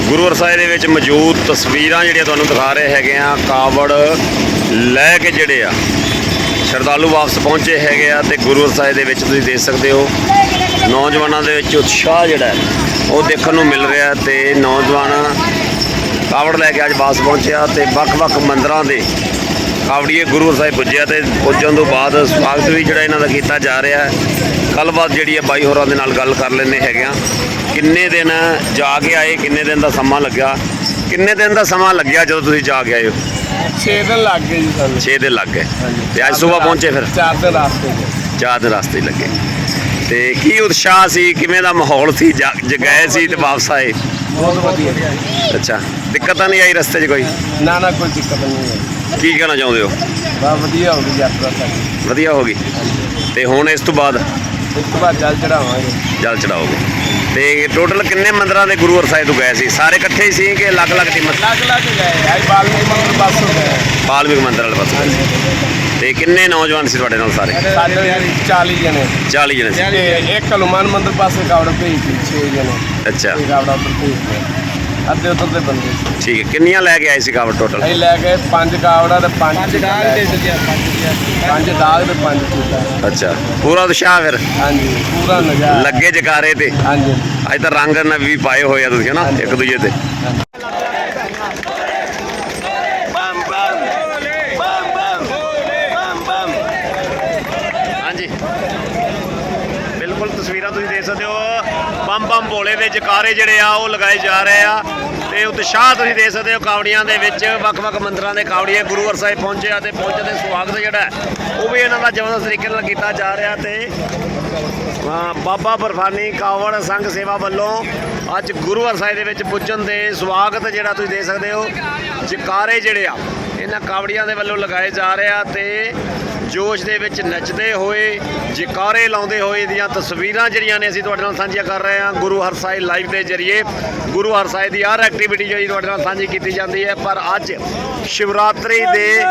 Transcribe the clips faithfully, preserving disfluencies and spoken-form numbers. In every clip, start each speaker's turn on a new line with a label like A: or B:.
A: ਗੁਰੂ ਸਾਹਿਬ ਦੇ ਵਿੱਚ ਮੌਜੂਦ ਤਸਵੀਰਾਂ ਜਿਹੜੀਆਂ ਤੁਹਾਨੂੰ ਦਿਖਾ ਰਹੇ ਹੈਗੇ ਆ। ਕਾਵੜ ਲੈ ਕੇ ਜਿਹੜੇ ਆ ਸ਼ਰਧਾਲੂ ਵਾਪਸ ਪਹੁੰਚੇ ਹੈਗੇ ਆ ਤੇ ਗੁਰੂ ਸਾਹਿਬ ਦੇ ਵਿੱਚ ਤੁਸੀਂ ਦੇਖ ਸਕਦੇ ਹੋ ਨੌਜਵਾਨਾਂ ਦੇ ਵਿੱਚ ਉਤਸ਼ਾਹ ਜਿਹੜਾ ਉਹ ਦੇਖਣ ਨੂੰ ਮਿਲ ਰਿਹਾ ਤੇ ਨੌਜਵਾਨ ਕਾਵੜ ਲੈ ਕੇ ਅੱਜ ਵਾਪਸ ਪਹੁੰਚਿਆ ਤੇ ਵੱਖ-ਵੱਖ ਮੰਦਰਾਂ ਦੇ ਕਾਵੜੀਏ ਗੁਰੂ ਸਾਹਿਬ ਪੁੱਜਿਆ ਤੇ ਪੁੱਜਣ ਤੋਂ ਬਾਅਦ ਸਵਾਗਤ ਵੀ ਜਿਹੜਾ ਇਹਨਾਂ ਦਾ ਕੀਤਾ ਜਾ ਰਿਹਾ ਹੈ। ਗੱਲਬਾਤ ਜਿਹੜੀ ਹੈ ਬਾਈ ਹੋਰਾਂ ਦੇ ਨਾਲ ਗੱਲ ਕਰ ਲੈਂਦੇ ਹੈਗੇ ਆ। ਕਿੰਨੇ ਦਿਨ ਜਾ ਕੇ ਆਏ, ਕਿੰਨੇ ਦਿਨ ਦਾ ਸਮਾਂ ਲੱਗਿਆ, ਕਿੰਨੇ ਦਿਨ ਦਾ ਸਮਾਂ ਲੱਗਿਆ ਜਦੋਂ ਤੁਸੀਂ ਜਾ ਕੇ ਆਏ ਹੋ?
B: ਛੇ ਦਿਨ ਲੱਗ ਗਏ ਜੀ ਸਾਨੂੰ।
A: ਛੇ ਦਿਨ ਲੱਗ ਗਏ ਤੇ ਅੱਜ ਸਵੇਰ ਪਹੁੰਚੇ ਫਿਰ?
B: ਚਾਰ ਦਿਨ ਰਾਸਤੇ
A: ਚਾਰ ਦਿਨ ਰਸਤੇ ਲੱਗੇ ਤੇ ਕੀ ਉਤਸ਼ਾਹ ਸੀ, ਕਿਵੇਂ ਦਾ ਮਾਹੌਲ ਸੀ? ਜ ਗਏ ਸੀ ਤੇ ਵਾਪਸ ਆਏ?
B: ਬਹੁਤ ਵਧੀਆ।
A: ਅੱਛਾ, ਦਿੱਕਤ ਨਹੀਂ ਆਈ ਰਸਤੇ 'ਚ ਕੋਈ?
B: ਨਾ ਨਾ ਕੋਈ ਦਿੱਕਤ ਨਹੀਂ ਆਈ।
A: ਕੀ ਕਹਿਣਾ ਚਾਹੁੰਦੇ ਹੋ?
B: ਬਹੁਤ ਵਧੀਆ ਹੋ ਗਈ ਯਾਤਰਾ ਸਾਡੀ।
A: ਵਧੀਆ ਹੋ ਗਈ ਤੇ ਹੁਣ ਇਸ ਤੋਂ ਬਾਅਦ
B: ਇਸ ਤੋਂ ਬਾਅਦ ਜਲ ਚੜਾਵਾਂਗੇ।
A: ਜਲ ਚੜਾਓਗੇ ਤੇ ਟੋਟਲ ਕਿੰਨੇ ਮੰਦਰਾਂ ਦੇ ਗੁਰੂ ਸਾਹਿਬ ਤੋਂ ਗਏ ਸੀ? ਸਾਰੇ ਇਕੱਠੇ ਹੀ ਸੀ ਕਿ ਅਲੱਗ-ਅਲੱਗ ਟੀਮਾਂ?
B: ਅਲੱਗ-ਅਲੱਗ ਗਏ। ਅੱਜ ਬਾਲਮੀਕ ਮੰਦਰ ਪਾਸੋਂ ਗਏ।
A: ਬਾਲਮੀਕ ਮੰਦਰ ਵਾਲੇ ਪਾਸੇ। ਤੇ ਕਿੰਨੇ ਨੌਜਵਾਨ ਸੀ ਤੁਹਾਡੇ ਨਾਲ ਸਾਰੇ?
B: ਸਾਡੇ ਚਾਲੀ ਜਣੇ।
A: ਚਾਲੀ ਜਣੇ ਸੀ।
B: ਤੇ ਇੱਕ ਹਨੂੰਮਾਨ ਮੰਦਰ ਪਾਸੇ ਕਾਵੜ ਭੇਜੀ ਛੇ ਜਣੇ।
A: ਅੱਛਾ,
B: ਕਾਵੜਾ ਉੱਪਰ ਭੇਜਦੇ ਅੱਧੇ ਉੱਧਰ ਦੇ ਬੰਦੇ ਸੀ।
A: ਠੀਕ ਹੈ। ਕਿੰਨੀਆਂ ਲੈ ਕੇ ਆਏ ਸੀ ਕਾਵੜ ਟੋਟਲ?
B: ਅਸੀਂ ਲੈ ਗਏ ਪੰਜ ਕਾਵੜਾ ਤੇ ਪੰਜ ਦਾਗ ਦੇ ਦਿੱਤੇ। ਪੰਜ ਦਾਗ ਤੇ ਪੰਜ ਚੂੜਾ।
A: ਅੱਛਾ, ਪੂਰਾ ਉਤਸ਼ਾਹ ਫਿਰ?
B: ਹਾਂਜੀ, ਪੂਰਾ ਨਜ਼ਾਰਾ
A: ਲੱਗੇ ਜਕਾਰੇ ਤੇ?
B: ਹਾਂਜੀ।
A: ਅੱਜ ਤਾਂ ਰੰਗ ਨਾਲ ਵੀ ਪਾਏ ਹੋਏ ਆ ਤੁਸੀਂ ਹਨਾ ਇੱਕ ਦੂਜੇ ਤੇ। ਹਾਂਜੀ, ਬਿਲਕੁਲ ਤਸਵੀਰਾਂ ਤੁਸੀਂ ਦੇਖ ਸਕਦੇ ਹੋ। ਬੰਮ ਬੰਮ ਭੋਲੇ ਦੇ ਜਕਾਰੇ ਜਿਹੜੇ ਆ ਉਹ ਲਗਾਏ ਜਾ ਰਹੇ ਆ ਤੇ ਉਤਸ਼ਾਹ ਤੁਸੀਂ ਦੇਖ ਸਕਦੇ ਹੋ ਕਾਵੜੀਆਂ ਦੇ ਵਿੱਚ। ਵੱਖ-ਵੱਖ ਮੰਦਰਾਂ ਦੇ ਕਾਵੜੀਏ ਗੁਰੂ ਸਾਹਿਬ ਪਹੁੰਚੇ ਆ ਤੇ ਪਹੁੰਚਣ ਦੇ ਸਵਾਗਤ ਜਿਹੜਾ ਉਹ ਵੀ ਇਹਨਾਂ ਦਾ ਜ਼ਬਰਦਸਤ ਤਰੀਕੇ ਨਾਲ ਕੀਤਾ ਜਾ ਰਿਹਾ ਤੇ ਬਾਬਾ ਬਰਫਾਨੀ ਕਾਵੜ ਸੰਘ ਸੇਵਾ ਵੱਲੋਂ ਅੱਜ ਗੁਰੂ ਸਾਹਿਬ ਦੇ ਵਿੱਚ ਪੁੱਜਣ ਦੇ ਸਵਾਗਤ ਜਿਹੜਾ ਤੁਸੀਂ ਦੇਖ ਸਕਦੇ ਹੋ ਜਕਾਰੇ ਜਿਹੜੇ ਆ ਇਹਨਾਂ ਕਾਵੜੀਆਂ ਦੇ ਵੱਲੋਂ ਲਗਾਏ ਜਾ ਰਹੇ ਆ ਤੇ ਜੋਸ਼ ਦੇ ਵਿੱਚ ਨੱਚਦੇ ਹੋਏ ਜਕਾਰੇ ਲਾਉਂਦੇ ਹੋਏ ਦੀਆਂ ਤਸਵੀਰਾਂ ਜਿਹੜੀਆਂ ਨੇ ਅਸੀਂ ਤੁਹਾਡੇ ਨਾਲ ਸਾਂਝੀਆਂ ਕਰ ਰਹੇ ਹਾਂ ਗੁਰੂ ਹਰਸਾਏ ਲਾਈਵ ਦੇ ਜ਼ਰੀਏ। ਗੁਰੂ ਹਰਸਾਏ ਦੀ ਹਰ ਐਕਟੀਵਿਟੀ ਜਿਹੜੀ ਤੁਹਾਡੇ ਨਾਲ ਸਾਂਝੀ ਕੀਤੀ ਜਾਂਦੀ ਹੈ, ਪਰ ਅੱਜ ਸ਼ਿਵਰਾਤਰੀ ਦੇ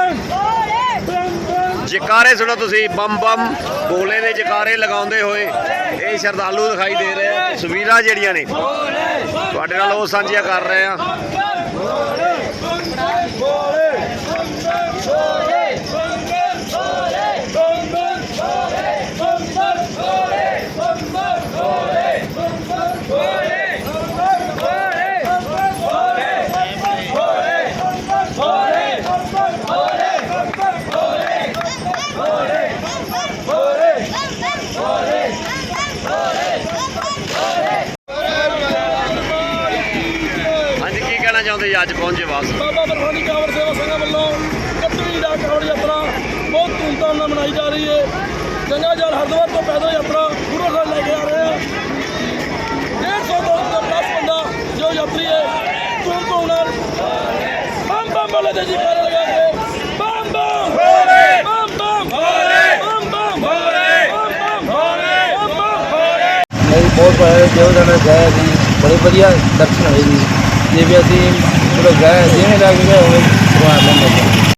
A: ਜਕਾਰੇ ਸੁਣੋ ਤੁਸੀਂ। ਬੰਮ ਬੰਮ ਭੋਲੇ ਦੇ ਜਕਾਰੇ ਲਗਾਉਂਦੇ ਹੋਏ ਇਹ ਸ਼ਰਧਾਲੂ ਦਿਖਾਈ ਦੇ ਰਹੇ ਆ। ਤਸਵੀਰਾਂ ਜਿਹੜੀਆਂ ਨੇ ਤੁਹਾਡੇ ਨਾਲ ਉਹ ਸਾਂਝੀਆਂ ਕਰ ਰਹੇ ਆ। ਚਾਹੁੰਦੇ ਅੱਜ ਪਹੁੰਚੇ ਵਾਪਸ?
C: ਬਾਬਾ ਬਰਫਾਨੀ ਕਾਵੜ ਸੇਵਾ ਸੰਘ ਵੱਲੋਂ ਇਕੱਤਵੀਂ ਡਾ ਕਾਵੜ ਯਾਤਰਾ ਬਹੁਤ ਧੂਮਧਾਮ ਨਾਲ ਮਨਾਈ ਜਾ ਰਹੀ ਹੈ। ਗੰਗਾ ਜਲ ਹਰਿਦੁਆਰ ਤੋਂ ਪੈਦਲ ਯਾਤਰਾ ਗੁਰੂ ਸਾਹਿਬ ਲੈ ਕੇ ਆ ਰਹੇ ਹਾਂ। ਡੇਢ ਸੌ ਤੋਂ ਪਲੱਸ ਬੰਦਾ ਜੋ ਯਾਤਰੀ ਹੈ ਧੂਮ ਧੂਮ ਨਾਲ ਬੰਮ ਬੰਮ ਵਾਲੇ ਦੇ ਜਕਾਰੇ ਲਗਾ ਕੇ ਬੰਮ ਬੰਮ ਭੋਲੇ ਬੰਮ ਬੰਮ ਭੋਲੇ ਬੰਮ ਬੰਮ ਭੋਲੇ ਬੰਮ ਬੰਮ ਭੋਲੇ ਬੰਮ ਬੰਮ ਭੋਲੇ।
B: ਨਹੀਂ ਬਹੁਤ ਵਧੀਆ ਜੋ ਜਣੇ ਗਏ ਸੀ ਬੜੇ ਵਧੀਆ ਦਰਸ਼ਨ ਹੋਏ ਜੀ। ਜੇ ਵੀ ਅਸੀਂ ਚਲੋ ਗਏ ਜਿਵੇਂ ਲੱਗ ਗਏ ਹੋਵੇ ਭਗਵਾਨ ਨੇ